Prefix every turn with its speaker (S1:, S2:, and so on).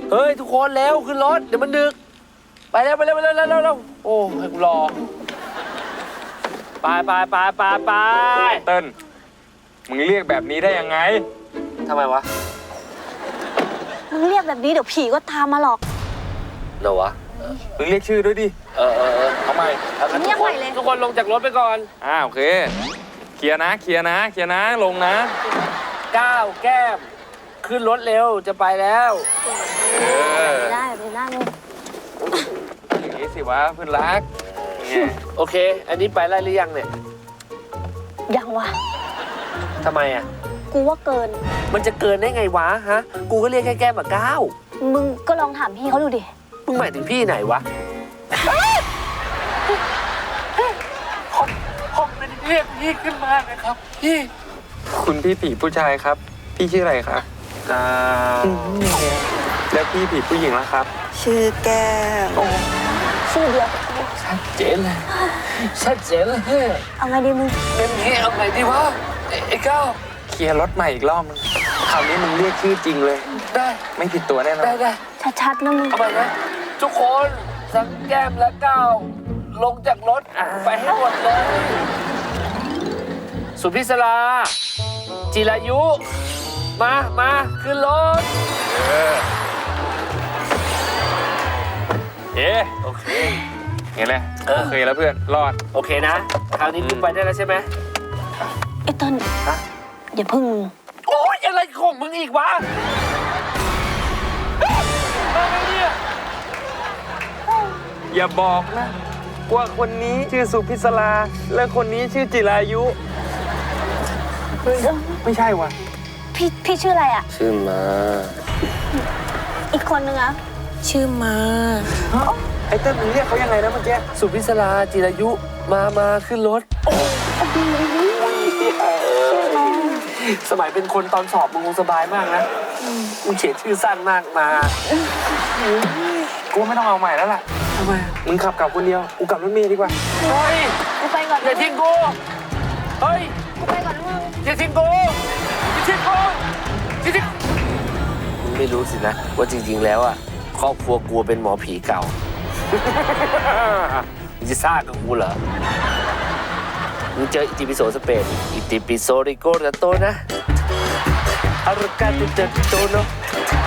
S1: เฮ้ยทุกคนแล้วขึ้นรถเดี๋ยวมันดึกไปแล้วไปแล้วไปแล้วแล้วโอ้ให้กูรอไป
S2: เติ้ลมึงเรียกแบบนี้ได้ยังไง
S1: ทำไมวะ
S3: มึงเรียกแบบนี้เดี๋ยวผีก็ตามมาหรอก
S1: เดี๋ยววะ
S2: มึงเรียกชื่อด้วยดิเอาใหม่
S1: ทุกคนลงจากรถไปก่อน
S2: โอเคเคลียร์นะลงนะ
S1: ก้าวแก้มขึ้นรถเร็วจะไปแล้ว
S3: ได้ไปนั่ง
S2: อย่างนี้สิวะเพื่อนรัก
S1: โอเคอันนี้ไปได้หรือยังเนี่ย
S3: ยังวะ
S1: ทำไมอ่ะ
S3: กูว่าเกิน
S1: มันจะเกินได้ไงวะฮะกูก็เรียกแค่แก้มกับก้าว
S3: มึงก็ลองถามพี่เขาดูดิ
S1: มึงหมายถึงพี่ไหนวะผมเป็นเรียกพี่ขึ้นมานะครับพี่
S2: คุณพี่ผีผู้ชายครับพี่ชื่ออะไรครับแล้วพี่ผีผู้หญิงล่ะครับ
S3: ชื่อแก้มชื่อเดียว
S1: ชัดเจนเลย
S3: เอาไงดีมึง
S1: เป็นนี้เอาไงดีวะไอ้ก้าว
S2: เคลียร์รถใหม่อีกรอบนึงคราวนี้มึงเรียกชื่อจริงเลย
S1: ได้
S2: ไม่ผิดตัวแน่นอน
S1: ได้
S3: ชัดๆนะมึง
S1: เอาไปนะทุกคนทั้งแก้มและก้าวลงจากรถไปให้หมดเลยสุพิศราจิรายุมาขึ้นรถโอเค
S2: เห็นไหมโอเคแล้วเพื่อนรอด
S1: โอเคนะคราวนี้กูไปได้แล้วใช่ไหม
S3: ไอ้ต้นอย่าพึ่งมึง
S1: โอ๊ยอะไรของมึงอีกวะอะไรเนี่ย
S2: อย่าบอกนะว่าคนนี้ชื่อสุพิศราและคนนี้ชื่อจิรายุไม่ใช่วะ
S3: พี่ชื่ออะไรอ่ะ
S1: ชื่อมา
S3: อีกคนนึงอ่ะชื่อมา
S2: ไอ้เต้นมึงเรียกเขายังไงนะเมื่อกี้
S1: สุพิศราจิรายุมาขึ้นรถสมัยเป็นคนตอนสอบมึงคงสบายมากนะมึงเขียนชื่อสั้นมากมา
S2: กูไม่ต้องเอาใหม่แล้วล่ะ
S1: ทำไม
S2: มึงขับกลับคนเดียวกูกลับรถเมล์ดีกว่า
S1: เฮ้ย
S3: กูไปก่อน
S1: อย่าทิ้งกูเฮ้ย
S3: กูไปก่อนมึง
S1: อย่าทิ้งกูมึงไม่รู้สินะว่าจริงๆแล้วอ่ะครอบครัวกูเป็นหมอผีเก่ามึงจะซ่ากับกูเหรอมึงเจออิติปิโสสเปนอิติปิโสริโกรัตโตนะอารกาติเตโตโน